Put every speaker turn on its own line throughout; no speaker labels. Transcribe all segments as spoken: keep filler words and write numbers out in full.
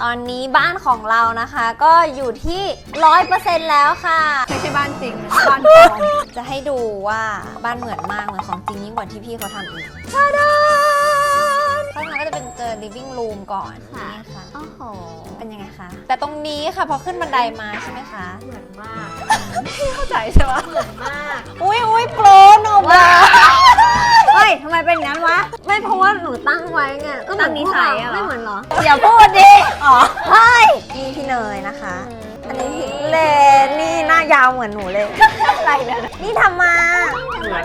ตอนนี้บ้านของเรานะคะก็อยู่ที่ ร้อยเปอร์เซ็นต์ แล้วค่ะ
ไม่ใช่บ้านจริงบ้านปลอม
จะให้ดูว่าบ้านเหมือนมากเหมือนของจริงยิ่งกว่าที่พี่เขาทำอีกชาดาข้างในก็จะเป็นเจอ living room ก่อนนี่ค่ะ
โอ้โห
เป็นยังไงคะแต่ตรงนี้ค่ะพอขึ้นบันไดมาใช่ไหมคะ
เหมือนมาก
ไม่เข้าใจใช่ปะ
เหมือนมาก
อุ้ยอุ้ยโปรหนูบ้า
เฮ้ยทำไมเป็นอย่างนั้นวะ
ไม่เพราะว่าหนูตั้งไว้ไง
ก็ตั้งนิสัยอะ
ไม่เหมือนเหรออย่าพูดดิอ๋อเฮ้ยนี่พี่เนยนะคะอันนี้พี่เลนนี่หน้ายาวเหมือนหนูเลยอะไรเนี่ยนี่ทำมา
เหมือน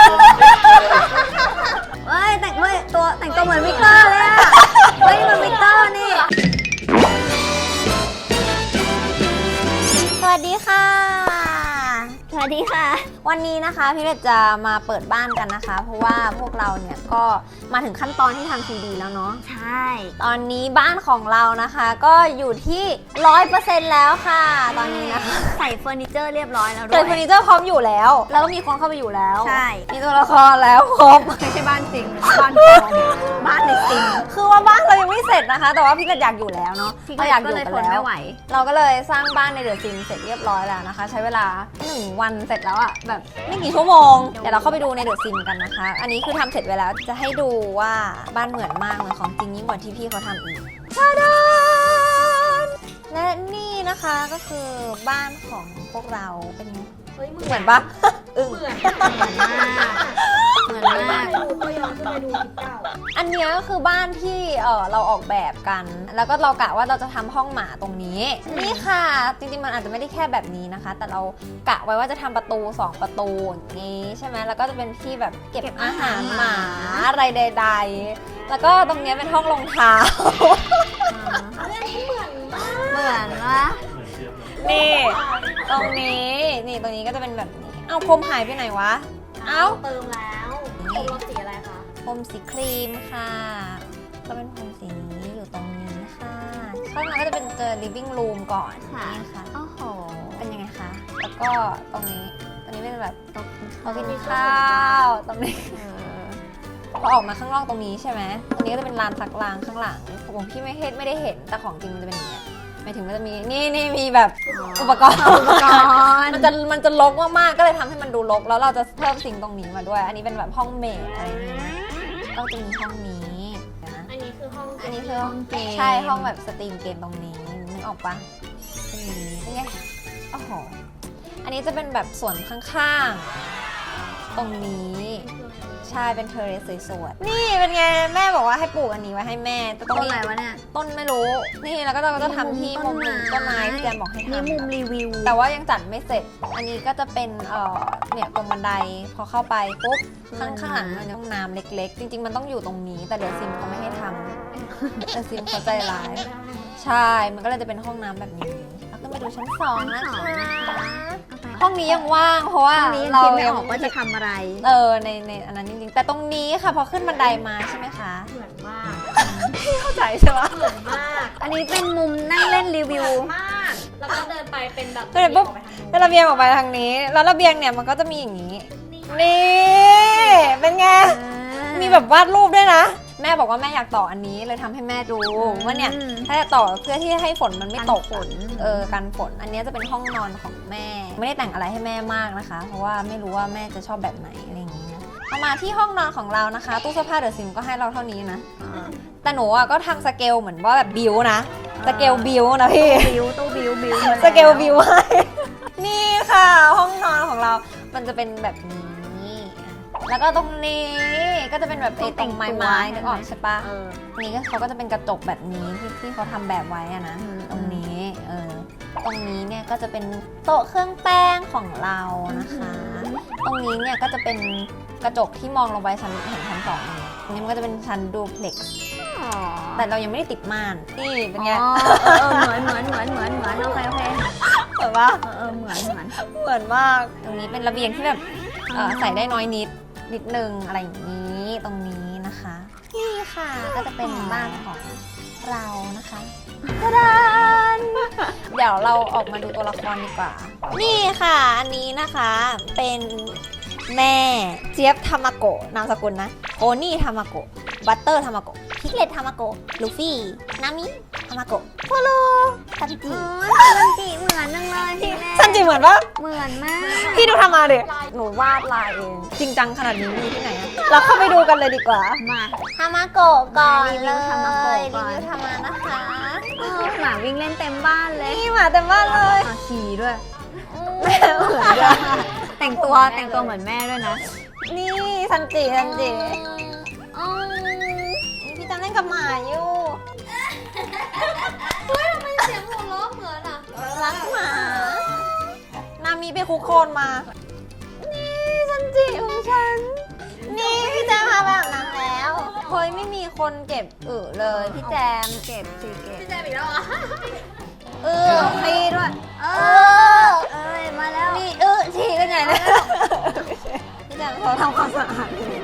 เฮ้ยแต่งตัวแต่งตัวเหมือนวิกเตอร์เลยอะเฮ้ยมันวิกเตอร์นี่
สวัสดีค่ะ
สวัสดีค่ะ
วันนี้นะคะพี่เล็กจะมาเปิดบ้านกันนะคะเพราะว่าพวกเราเนี่ยก็มาถึงขั้นตอนที่ทำซีดีแล้วเนาะ
ใช่
ตอนนี้บ้านของเรานะคะก็อยู่ที่ ร้อยเปอร์เซ็นต์ แล้วค่ะตอนนี้นะคะ
ใส่เฟอร์นิเจอร์เรียบร้อยแล้วด้วย
ใส่เฟอร์นิเจอร์พร้อมอยู่แล้วแล้วก็มีคนเข้าไปอยู่แล้ว
ใช่
มีตัวละครแล้วครบ
ไม่ใช่บ้านจริงบ้านปลอมบ้านในจริง
คือว่าบ้านเรายังไม่เสร็จนะคะแต่ว่าพี่ก็อยากอยู่แล้วเนาะ
เราอยากอยู่กันแล้ว
เราก็เลยสร้างบ้านในเดอะซิมเสร็จเรียบร้อยแล้วนะคะใช้เวลาหนึ่งวันเสร็จแล้วอะแบบไม่กี่ชั่วโมงเดี๋ยวเราเข้าไปดูในเดอะซิมกันนะคะอันนี้คือทำเสร็จไปแล้วจะให้ดูว่าบ้านเหมือนมากเหมือนของจริงยิ่งกว่าที่พี่เขาทำอีกชาดานและนี่นะคะก็คือบ้านของพวกเราเป็นเหมือนปะอึ้ง
เหมือนมากเหมือนมากดูตัวย้อนขึ้นไปดูคลิปเก่า
อันนี้ก็คือบ้านที่เออเราออกแบบกันแล้วก็เรากะว่าเราจะทำห้องหมาตรงนี้นี่ค่ะจริงๆมันอาจจะไม่ได้แค่แบบนี้นะคะแต่เรากะไว้ว่าจะทำประตูสองประตูอย่างนี้ใช่ไหมแล้วก็จะเป็นที่แบบเก็บอาหารหมาอะไรใดๆแล้วก็ตรงนี้เป็นห้องรองเท้า
เหมือนวะ
นี่ตรงนี้นี่ตรงนี้ก็จะเป็นแบบนี้เอาพรมหายไปไหนวะเอา
เติมแล้วพรมสีอะไรคะ
พรมสีครีมค่ะก็เป็นพรมสีนี้อยู่ตรงนี้ค่ะข้างในก็จะเป็นเจอ living room ก่อนนี่ค่ะ
โอ้โห
เป็นยังไงคะแล้วก็ตรงนี้ตรงนี้เป็นแบบโต๊ะกินข้าวตรงนี้พอออกมาข้างนอกตรงนี้ใช่ไหมตรงนี้ก็จะเป็นลานซักล้างข้างหลังผมพี่ไม่เห็นไม่ได้เห็นแต่ของจริงมันจะเป็นอย่างนี้หมายถึงมันจะมีนี่นี่มีแบบอุปกรณ์อุปกรณ์มันจะมันจะรกมากๆก็เลยทำให้มันดูรกแล้วเราจะเพิ่มสิ่งตรงนี้มาด้วยอันนี้เป็นแบบห้องเมดอะไรอย่างเงี้ยก็จะมีห้องนี้
นะอันนี้คือห้อง
อันนี้คือห้องเกมใช่ห้องแบบสตรีมเกมตรงนี้นึกออกปะตรงนี้เป็นไงโอ้โหอันนี้จะเป็นแบบส่วนข้างๆตรงนี้ใช่เป็นเทอร์เรสสวยๆนี่เป็นไงแม่บอกว่าให้ปลูกอันนี้ไว้ให้แม่แต่
ต้นอะไรวะเนี่ย
ต้นไม่รู้นี่แล้วก็เราก็จะทำที่มุมต้นไม้ที่แจมบอกให้ทำ
มีมุมรีวิว
แต่ว่ายังจัดไม่เสร็จอันนี้ก็จะเป็นเอ่อเนี่ยตรงบันไดพอเข้าไปปุ๊บข้างข้างหลังมันห้องน้ำเล็กๆจริงๆมันต้องอยู่ตรงนี้แต่เดี๋ยวซิมเขาไม่ให้ทำเดี๋ยวซิมเขาใจร้ายใช่มันก็เลยจะเป็นห้องน้ำแบบนี้แล้วก็มาดูชั้นสองนะคะห้องนี้ยังว่างเพราะว่า
เรายังบอกว่าจะทำอะไร
เออในในอันนั้นจริงๆแต่ตรงนี้ค่ะพอขึ้นบันไดมาใช่ไหมคะ
เหมือนมาก
ไม่เข้าใจใช่ไหม
เหมือนมากอันนี้เป็นมุมนั่งเล่นรีวิวมากแล้วก็เดินไปเป็นแบบ
เดินปุ๊บเป็นระเบียงออกไปทางนี้แล้วระเบียงเนี่ยมันก็จะมีอย่างนี้นี่เป็นไงมีแบบวาดรูปด้วยนะแม่บอกว่าแม่อยากต่ออันนี้เลยทำให้แม่ดูว่าเนี่ยถ้าจะต่อเพื่อที่ให้ฝนมันไม่ตกฝนเออกันฝนอันนี้จะเป็นห้องนอนของแม่ไม่ได้แต่งอะไรให้แม่มากนะคะเพราะว่าไม่รู้ว่าแม่จะชอบแบบไหนอะไรอย่างนี้นะพอมาที่ห้องนอนของเรานะคะตู้เสื้อผ้าเดอะซิมก็ให้เราเท่านี้นะแต่หนูอ่ะก็ทำสเกลเหมือนว่าแบบบิวนะสเกลบิวนะพี่
บิวตู้บิวบิว
สเกลบิวให้นี่ค่ะห้องนอนของเรามันจะเป็นแบบนี้แล้วก็ตรงนี้ก็จะเป็นแบบเอตรงไม้ๆนึกออกใช่ปะนี่ก็เขาก็จะเป็นกระจกแบบนี้ที่ที่เขาทำแบบไว้อะนะตรงนี้เออตรงนี้เนี่ยก็จะเป็นโต๊ะเครื่องแป้งของเรานะคะตรงนี้เนี่ยก็จะเป็นกระจกที่มองลงไปชั้นเห็นชั้นสองอันนี้มันก็จะเป็นชั้นดูเพล็กซ์แต่เรายังไม่ได้ติดม่านนี่เป็นไง
เออเหมือนเหมือนเหมือนเหมือนเหมือนโอเคโอเค
เหมือนปะ
เออเหมือนเหมือน
เหมือนมากตรงนี้เป็นระเบียงที่แบบใส่ได้น้อยนิดนิดนึงอะไรอย่างนี้ตรงนี้นะคะนี่ค่ะก็จะเป็นบ้านของเรานะคะตะดานเดี๋ยวเราออกมาดูตัวละครดีกว่านี่ค่ะอันนี้นะคะเป็นแม่เจี๊ยบทามาโกะนามสกุลนะโอนี่ทามาโกะบัตเตอร์ทามาโกะพิกเลตทามาโกะลูฟี่นามิฮามาโกะโฟโลซันจิ
อ๋อซันจิเหมือนจังเลยพี่แม่
ซันจิเหมือนปะ
เหมือนมาก
พี่ดูทำมาดิหนูวาดลายเองจริงจังขนาดนี้มีที่ไหนอะเราเข้าไปดูกันเลยดีกว่า
มา
ทามาโกะก่อน
รีวิ
เล
วย ทามาโกะก่อน
รีวิวทามานะคะ
เออหมาวิ่งเล่นเต็มบ้านเลย
นี่หมาเต็มบ้านเลย
อ่ะฉี่ด้วย
แม่เหมือนกัน
แต่งตัวแต่งตัวเหมือนแม่ด้วยนะ
นี่ซันจิซันจิ
อ๋อ
นี่พี่จำเล่นกับหมาอยู่
เสียงหัวเราะเหมือนอ่ะ
รักหมา นามีไปคุกโคนมา นี่ซันจิของฉัน นี่พี่แจมพาไปอาบน้ำแล้วเฮ้ยไม่มีคนเก็บอึเลยพี่แจม
เก็บสิเก็บ
พี่แจมอีกแล้วเหรอ่ะ
เออพี่ด้วย
เอ
เอ
อ
อ
เอ้ยมาแล้ว
นี่เออฉี่กันใหญ่เลยพี่แจมเขาทำความสะอาดอยู่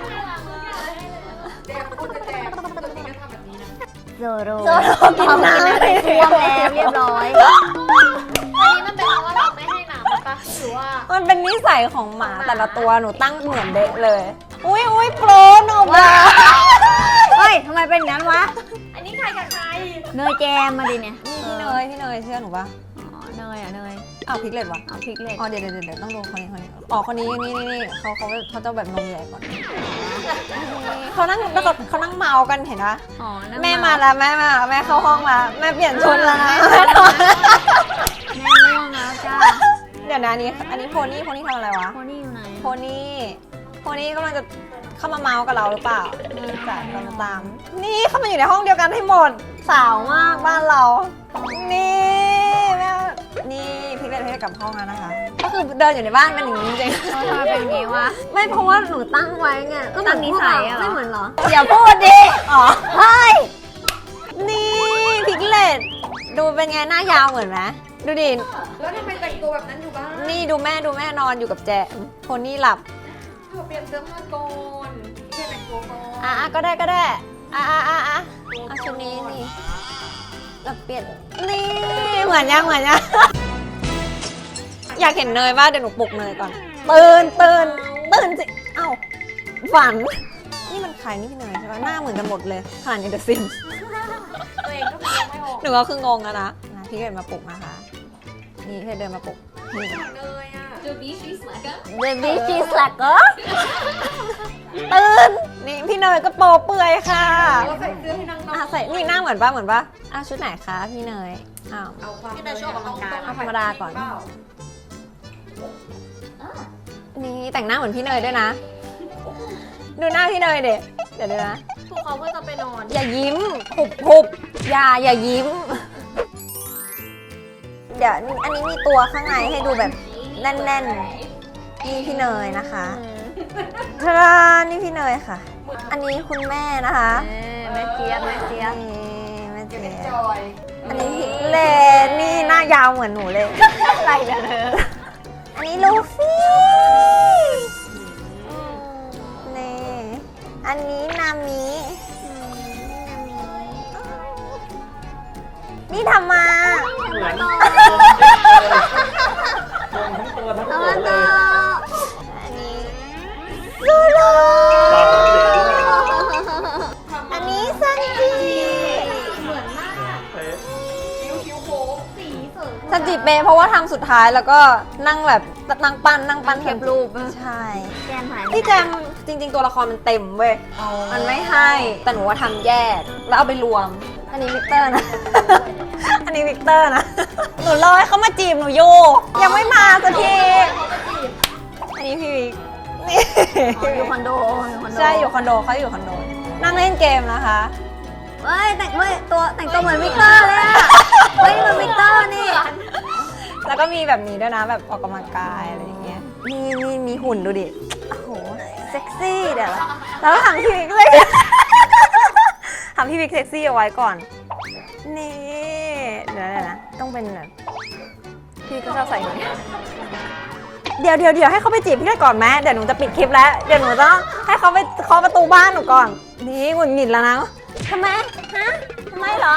แจมพูดจะแจมปกติก็ทำแบบนี้นะ
โซโร
โซโลกินน้ำ
ไปท่วมแล้วเรียบร้อย
อันนี้มันเป็นเพราะว่าเราไม่ให้น้ำมันปะหรือว่า
มันเป็นนิสัยของหมาแต่ละตัวหนูตั้งเหมือนเด็กเลย อุ้ยอุ้ยโปรหนูบ้า
เฮ้ยทำไมเป็นอย่างนั้นวะ
อันนี้ใครกับใคร
เนยแจมมาดิเนี่ย
พี่เนยพี่เนยเชื่อหนูปะ
อ๋อเนยอ่ะเนย
อ้าวพริกเลดวะ
เอาพริกเลย
อ๋อเดี๋ยวเดี๋ยวเดี๋ยวต้องดูคนนี้คนนี้อ๋อคนนี้นี่นี่นี่เขาเขาเขาจะแบบนมใหญ่ก่อนเขานั่งแล้วก็เขานั่งเมากันเห็นปะ
อ๋อนั่ง
แม่มาแล้วแม่มาแม่เข้าห้องมาแม่เปลี่ยนชุดแล้วนะแม่นอน
แม่ง่วงแล้วจ้า
เดี๋ยวนะอันนี้อันนี้โพนี่โพนี่ทำอะไรวะ
โคนี่อยู่ไหน
โพนี่โพนี่กำลังจะเข้ามาเมากับเราหรือเปล่าจัดตามตามนี่เข้ามาอยู่ในห้องเดียวกันให้หมดสาวมากบ้านเรา นี่แม่นี่พริกเลดให้กลับห้องแล้วนะคะ ก็คือเดินอยู่ในบ้านเป็นอย่างนี้จริง
เออทำไมเป็นอย่างนี้วะ
ๆไม่เพราะว่าหนูตั้งไว้ไงก็เหมือน
ตั้งนิสัยอะเหรอ
ไม่เหมือนเหรออย่าพูดดิอ๋อเฮ้ยนี่พริกเลดดูเป็นไงหน้ายาวเหมือนไหมดูดิ
แล้วทำไมแต่งตัวแบบนั้นอยู่บ้าน
นี่ดูแม่ดูแม่นอนอยู่กับแจมโพนี่หลับ
เธอเปลี่ยนเสื้อผ้าก่อนพี่แจมแต่งตัวก่อน
อ่ะอ่ะก็ได้ก็ได้อ่ะอ่ะอ่ะอ่ะเอาชุดนี้นี่เราเปลี่ยนนี่เหมือนยังเหมือนยัง อยากเห็นเนยว่าเดี๋ยวหนูปลุกเนยก่อนตื่นตื่นตื่นสิเอ้าฝัน นี่มันใครนี่พี่เนยใช่ไหมหน้าเหมือนกันหมดเลยขนาดในเดอะซิม
ตัวเองก็เปลี่ยนไม่ออก
หนูก็คืองงแล้วนะนะพี่เดินมาปลุกนะคะ นี่พี่เดินมาปลุกนี่
เลยอ่ะ
The beach is like a
เบบี้ชีสแลกเกอร์ตื่นนี่พี่เนยก็โปเปื่อยค่ะ
เราใส่เสื้อให้นางนอ
อ่ะ
น
ใส่นี่หน้าเหมือนป่ะเหมือนป่ะอ่ะชุดไหนคะพี่เนยอ้าว
เอาความ
พี่แต่ชอบออกกำลังกาย
เอาธรรมดาก่อน นี่แต่งหน้าเหมือนพี่เนยด้วยนะ ดูหน้าพี่เนยเด็เดี๋ยวดูนะ
พวกเขาก็จะไปนอน
อย่ายิ้มหุบหุบอย่าอย่ายิ้ม เดี๋ยวอันนี้มีตัวข้างในให้ดูแบบแน่นๆนี่พี่เนยนะคะทารานี่พี่เนยค่ะ อันนี้คุณแม่นะคะ
เออแม่เจี๊ยบแม่เจี๊ยบ
นี่แม่เจี๊ย
จ
บ
อย
อันนี้พิกเลนนี่หน้ายาวเหมือนหนูเลยอะไรกันเธออันนี้ลูฟี่นี่อันนี้นามินี่ทำมา
เหมือนมองทั้งตัวทั้ง
เอา
ตัว
มา
เล
ต่อย
อันนี้ซูโร่
ตาของเด็กด้วย
อันนี้ซันจิ
เหมือนมาก
เป๊ะ
คิ้วคิ้วโค้งสีเสริม
ซันจิเปย์เพราะว่าทำสุดท้ายแล้วก็นั่งแบบนั่งปั้นนั่งปั้น
เก็บรูป
ใช่
แจมหาย
พี่แจมจริง ๆ ตัวละครมันเต็มเว้ย มันไม่ให้ แต่หนูว่าทำแยก แล้วเอาไปรวม อันนี้วิกเตอร์นะ อันนี้วิกเตอร์นะ หนูรอให้เขามาจีบหนูอยู่ ยังไม่มาสักที อันนี้พี่วิกนี่
อยู่คอนโดอยู่คอนโด
ใช่ อยู่คอนโดเขาอยู่คอนโด นั่งเล่นเกมนะคะ
เฮ้ยแต่งเฮ้ยตัวแต่งตัวเหมือนวิกเตอร์เลยอะเฮ้ยมันวิกเตอร์นี่
แล้วก็มีแบบนี้ด้วยนะ แบบออกกำลังกายอะไรอย่างเงี้ย มีมีมีหุ่นดูดิ โอ้โห เซ็กซี่เดี๋ยวแล้วทำพี่วิกเลย ทำพี่วิกเซ็กซี่เอาไว้ก่อน นี่เดี๋ยวนะต้องเป็นแบบพี่ก็ชอบใส่อย่างนี้เดี๋ยวเดี๋ยวเดี๋ยวให้เขาไปจีบพี่ได้ก่อนไหมเดี๋ยวหนูจะปิดคลิปแล้ว เดี๋ยวหนูต้องให้เขาไปเคาะประตูบ้านหนูก่อน นี่หงุดหงิดแล้วนะทำไม ฮะทำไมเหรอ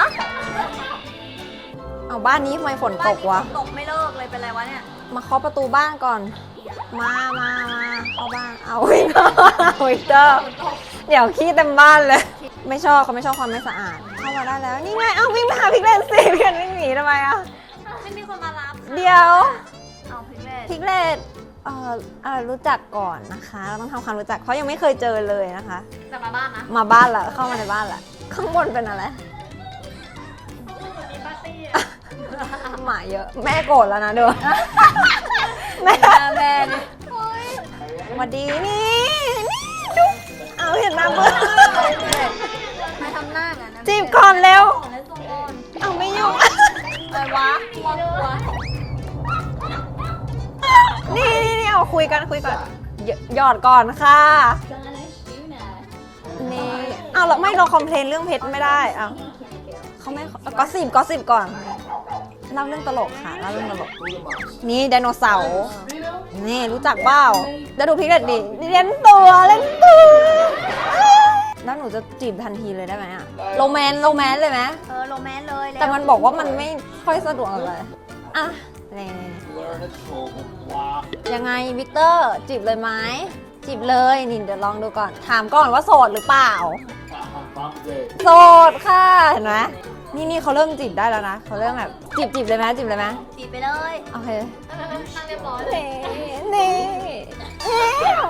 เอาบ้านนี้ทำไมฝนตกวะ
ตกไม่เลิกเลยเป็นไรวะเนี่ย
มาเคาะประตูบ้านก่อน มา มา มาเข้าบ้าน เอาวิกเตอร์เอาวิกเตอร์ เดี๋ยวขี้เต็มบ้านเลย ไม่ชอบเขาไม่ชอบความไม่สะอาดเข้ามาได้แล้วนี่ไงเอ้าวิ่งไปหาพิกเลนสิพี่กันวิ่งหนีทำไมอ่ะ
ไม่มีคนมารับ
เดี๋ยว
เอาพิกเลต
พิกเลนเอ่อเอ่อรู้จักก่อนนะคะเราต้องทำความรู้จักเพราะยังไม่เคยเจอเลยนะคะ
จะมาบ้านนะ
มาบ้านละเข้ามาในบ้านละข้างบนเป็นอะไร
มีปาร์ตี้
หมาเยอะแม่โกรธแล้วนะเด้อแม่
แม่นี่
สวัสดีนี่นี่ดูเอาเห็นหน้าเบื่อ
ไม่ทำหน้ากันนะ
จีบก่อนเร็วเอาไม่ยุ่ง
อะไรวะกลัวกลัว
นี่นี่นี่เอาคุยกันคุยก่อนหยหยอดก่อนค่ะนี่เอาเราไม่เราคอมเพลนเรื่องเพชรไม่ได้เอาเขาไม่ก็สิบก็สิบก่อนเล่าเรื่องตลกค่ะเล่าเรื่องตลกนี่ไดโนเสาร์นี่รู้จักเปล่าแล้วดูพิกเลตดิเล่นตัวเล่นตัวแล้วหนูจะจีบทันทีเลยได้ไหมอะโรแมนโรแมนเลยไหม
เออโรแมนต์เลยล้ว
แต่มันบอกว่ามันไม่ค่อยสะดวกเลยอ่ะนี่ยังไงวิกเตอร์จีบเลยไหมจีบเลยนี่เดี๋ยวลองดูก่อนถามก่อนว่าโสดหรือเปล่าโสดค่ะเห็นไหมนี่นี่เขาเริ่มจีบได้แล้วนะเขาเริ่มแบบจีบจีบเลยไหมจีบเลยไหม
จีบไปเลย
โอเค
นั่งเรียบร้อยเลย
นี่นี่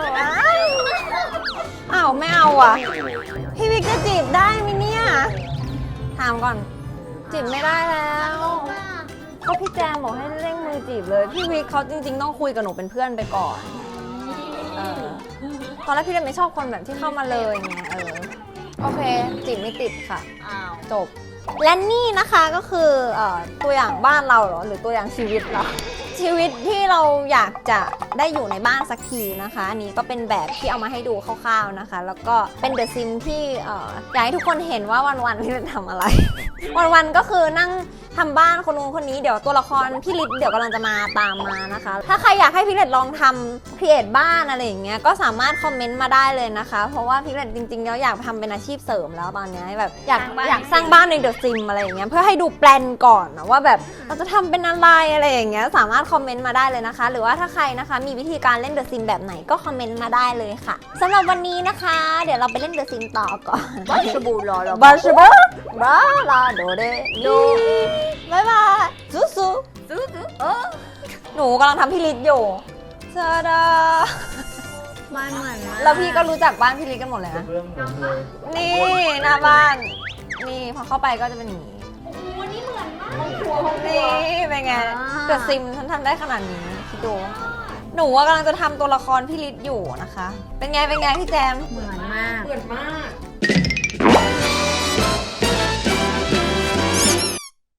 อ้าวไม่เอาอ่ะพี่วิกจะจีบได้ไหมเนี่ยถามก่อนจีบไม่ได้แล้วก็พี่แจมบอกให้เร่งมือจีบเลยพี่วิกเขาจริงๆต้องคุยกับหนูเป็นเพื่อนไปก่อนเออตอนแรกพี่เลยไม่ชอบคนแบบที่เข้ามาเลยไงเออโอเคจีบไม่ติดค่ะ
อ้าว
จบและนี่นะคะก็คือเอ่อตัวอย่างบ้านเราเหรอหรือตัวอย่างชีวิตเราชีวิตที่เราอยากจะได้อยู่ในบ้านสักทีนะคะอันนี้ก็เป็นแบบที่เอามาให้ดูคร่าวๆนะคะ แล้วก็เป็นเดอะซิมที่เอ่ออยากให้ทุกคนเห็นว่าวันๆพี่จะทำอะไร วันๆก็คือนั่งทำบ้านคนนู้นคนนี้เดี๋ยวตัวละครพี่ลิศเดี๋ยวกำลังจะมาตามมานะคะ ถ้าใครอยากให้พี่ลิศลองทำครีเอทบ้านอะไรอย่างเงี้ยก็สามารถคอมเมนต์มาได้เลยนะคะ เพราะว่าพี่ลิศจริงๆแล้วอยากทำเป็นอาชีพเสริมแล้วตอนเนี้ยแบบอยากอยากสร้างบ้านในเดอะซิมอะไรอย่างเงี้ยเพื่อให้ดูแปลนก่อนนะว่าแบบเราจะทำเป็นอะไรอะไรอย่างเงี้ยสามารถคอมเมนต์มาได้เลยนะคะ หรือว่าถ้าใครนะคะมีวิธีการเล่นเดอะซิมแบบไหนก็คอมเมนต์มาได้เลยค่ะสำหรับวันนี้นะคะ เดี๋ยวเราไปเล่นเดอะซิมต่อก่อน
บัชบูรอเรา
บาชบาบาลาโดเดโดบายบายซูซู
ซื้อซื้อเออ
หนูกำลังทำพี่ลิศอยู่ซาดา
บ้านเหมือนมาก
แล้วพี่ก็รู้จักบ้านพี่ลิศกันหมดเลยนะ
เรื่องหมดเลย
นี่หน้าบ้าน นี่พอเข้าไปก็จะเป็นอย่างนี้
วันนี้เหมือนมาก
นี่เป็นไงเกิดซิมฉันทำได้ขนาดนี้คิดดู หนูว่ากำลังจะทำตัวละครพี่ลิศอยู่นะคะ เป็นไงเป็นไงพี่แจม
เหมือนมาก
เหมือนมาก